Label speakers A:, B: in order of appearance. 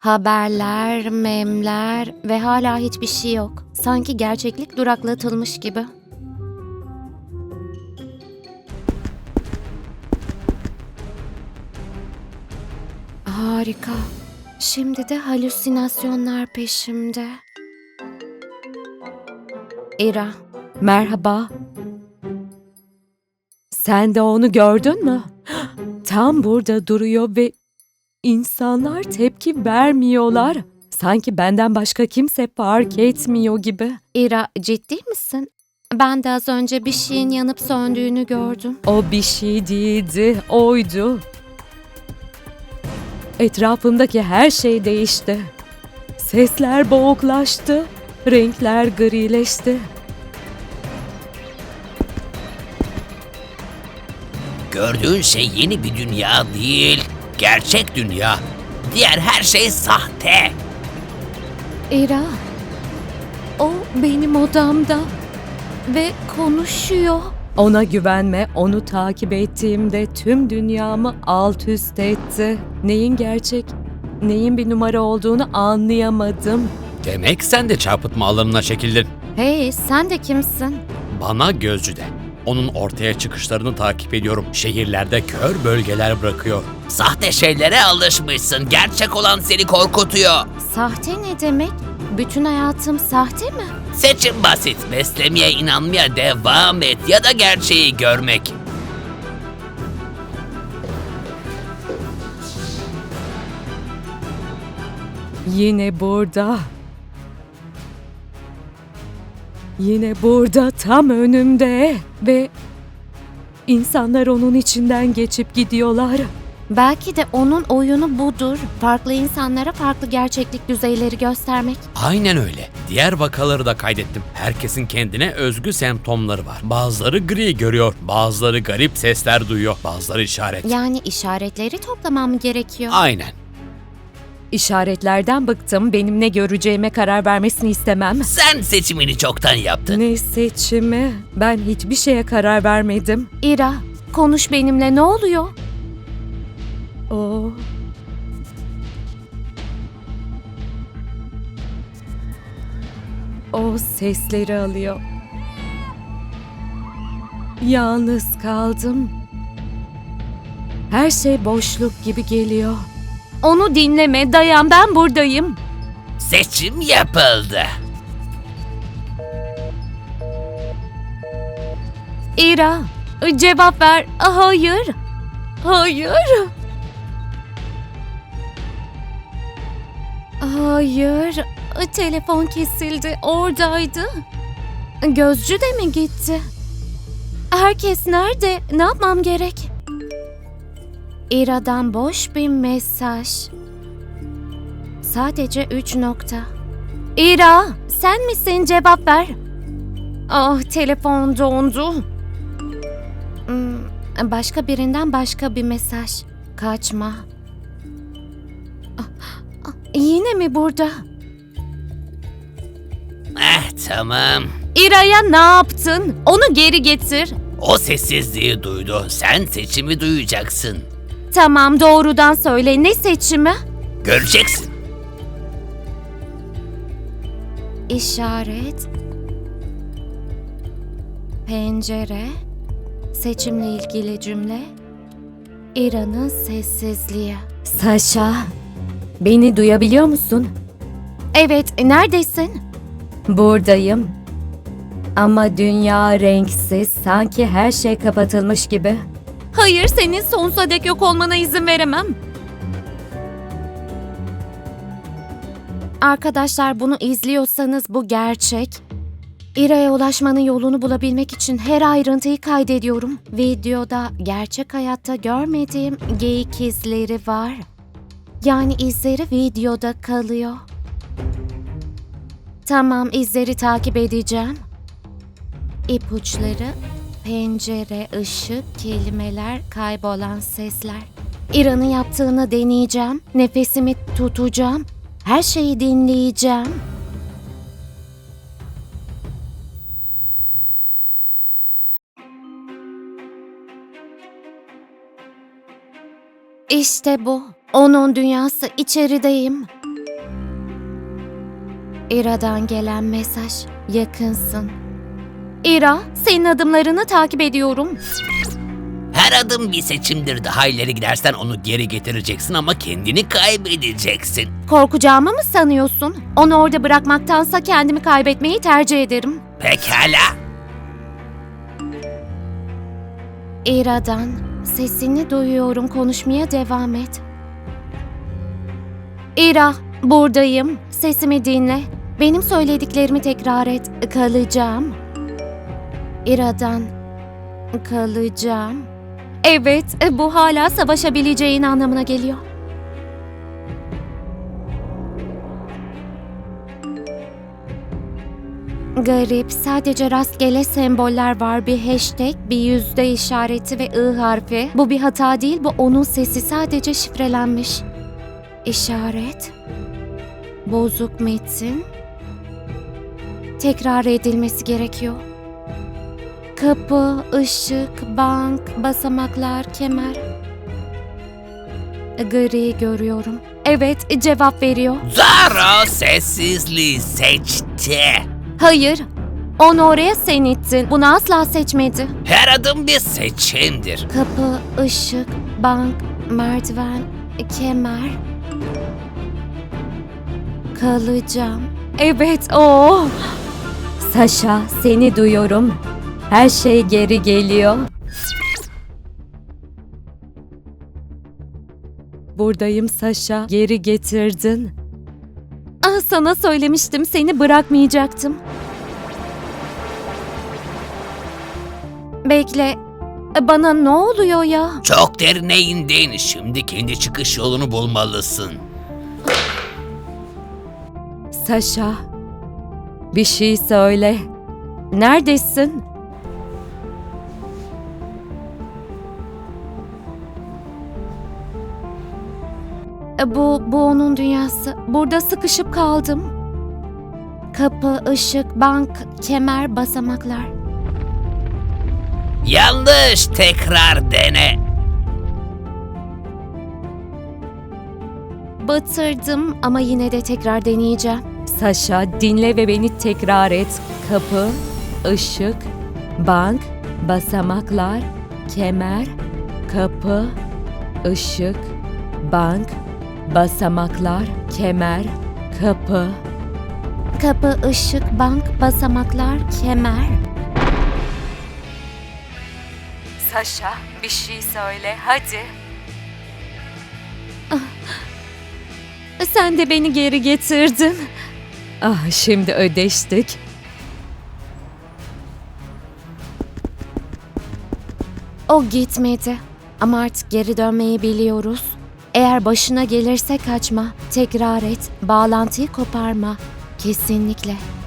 A: Haberler, memler ve hala hiçbir şey yok. Sanki gerçeklik duraklatılmış gibi. Harika. Şimdi de halüsinasyonlar peşimde. İra,
B: Merhaba. Sen de onu gördün mü? Tam burada duruyor ve insanlar tepki vermiyorlar. Sanki benden başka kimse fark etmiyor gibi.
A: İra ciddi misin? Ben de az önce bir şeyin yanıp söndüğünü gördüm.
B: O bir şey değildi, oydu. Etrafımdaki her şey değişti. Sesler boğuklaştı, renkler grileşti.
C: Gördüğün şey yeni bir dünya değil, gerçek dünya. Diğer her şey sahte.
A: İra, o benim odamda ve konuşuyor.
B: Ona güvenme, onu takip ettiğimde tüm dünyamı alt üst etti. Neyin gerçek, neyin bir numara olduğunu anlayamadım.
C: Demek sen de çarpıtma alanına çekildin.
A: Hey, sen de kimsin?
C: Bana gözcü de. Onun ortaya çıkışlarını takip ediyorum. Şehirlerde kör bölgeler bırakıyor. Sahte şeylere alışmışsın. Gerçek olan seni korkutuyor.
A: Sahte ne demek? Bütün hayatım sahte mi?
C: Seçim basit. Beslemeye inanmaya devam et ya da gerçeği görmek.
B: Yine burada. Yine burada, tam önümde ve insanlar onun içinden geçip gidiyorlar.
A: Belki de onun oyunu budur. Farklı insanlara farklı gerçeklik düzeyleri göstermek.
C: Aynen öyle. Diğer vakaları da kaydettim. Herkesin kendine özgü semptomları var. Bazıları gri görüyor, bazıları garip sesler duyuyor, bazıları işaret.
A: Yani işaretleri toplamam gerekiyor.
C: Aynen.
B: İşaretlerden bıktım, benim ne göreceğime karar vermesini istemem.
C: Sen seçimini çoktan yaptın.
B: Ne seçimi? Ben hiçbir şeye karar vermedim.
A: İra, konuş benimle, ne oluyor?
B: O... O sesleri alıyor. Yalnız kaldım. Her şey boşluk gibi geliyor.
A: Onu dinleme, dayan, ben buradayım.
C: Seçim yapıldı.
A: İra, cevap ver. Hayır. Hayır. Hayır. Telefon kesildi. Oradaydı. Gözcü de mi gitti? Herkes nerede? Ne yapmam gerek? İra'dan boş bir mesaj. Sadece 3 nokta. İra, sen misin? Cevap ver. Ah, telefon dondu. Başka birinden başka bir mesaj. Kaçma. Yine mi burada?
C: Tamam.
A: İra'ya ne yaptın? Onu geri getir.
C: O sessizliği duydu. Sen seçimi duyacaksın.
A: Tamam, doğrudan söyle. Ne seçimi?
C: Göreceksin.
A: İşaret. Pencere. Seçimle ilgili cümle. İra'nın sessizliği.
B: Saşa, beni duyabiliyor musun?
A: Evet, neredesin?
B: Buradayım. Ama dünya renksiz, sanki her şey kapatılmış gibi.
A: Hayır, senin sonsuza dek yok olmana izin veremem. Arkadaşlar, bunu izliyorsanız bu gerçek. İra'ya ulaşmanın yolunu bulabilmek için her ayrıntıyı kaydediyorum. Videoda gerçek hayatta görmediğim geyik izleri var. Yani izleri videoda kalıyor. Tamam, izleri takip edeceğim. İpuçları, pencere, ışık, kelimeler, kaybolan sesler. İra'nın yaptığını deneyeceğim. Nefesimi tutacağım. Her şeyi dinleyeceğim. İşte bu. Onun dünyası, içerideyim. İra'dan gelen mesaj. Yakınsın. İra, senin adımlarını takip ediyorum.
C: Her adım bir seçimdir. Daha ileri gidersen onu geri getireceksin ama kendini kaybedeceksin.
A: Korkacağımı mı sanıyorsun? Onu orada bırakmaktansa kendimi kaybetmeyi tercih ederim.
C: Pekala.
A: İra'dan sesini duyuyorum. Konuşmaya devam et. İra, buradayım. Sesimi dinle. Benim söylediklerimi tekrar et. Kalacağım. İra'dan kalacağım. Evet, bu hala savaşabileceğin anlamına geliyor. Garip, sadece rastgele semboller var. Bir hashtag, bir yüzde işareti ve I harfi. Bu bir hata değil, bu onun sesi, sadece şifrelenmiş. İşaret, bozuk metin, tekrar edilmesi gerekiyor. Kapı, ışık, bank, basamaklar, kemer. Gri görüyorum. Evet, cevap veriyor.
C: Zara sessizliği seçti.
A: Hayır, onu oraya sen ittin. Bunu asla seçmedi.
C: Her adım bir seçimdir.
A: Kapı, ışık, bank, merdiven, kemer. Kalacağım. Evet, o.
B: Saşa, seni duyuyorum. Her şey geri geliyor. Buradayım Saşa, geri getirdin.
A: Ah, sana söylemiştim, seni bırakmayacaktım. Bekle, bana ne oluyor ya?
C: Çok derine indin. Şimdi kendi çıkış yolunu bulmalısın.
B: Saşa, bir şey söyle. Neredesin?
A: Bu onun dünyası. Burada sıkışıp kaldım. Kapı, ışık, bank, kemer, basamaklar.
C: Yanlış. Tekrar dene.
A: Batırdım ama yine de tekrar deneyeceğim.
B: Saşa, dinle ve beni tekrar et. Kapı, ışık, bank, basamaklar, kemer, kapı, ışık, bank, basamaklar, kemer, kapı.
A: Kapı, ışık, bank, basamaklar, kemer.
B: Saşa, bir şey söyle, hadi.
A: Sen de beni geri getirdin.
B: Ah, şimdi ödeştik.
A: O gitmedi. Ama artık geri dönmeyi biliyoruz. Eğer başına gelirse kaçma, tekrar et, bağlantıyı koparma. Kesinlikle.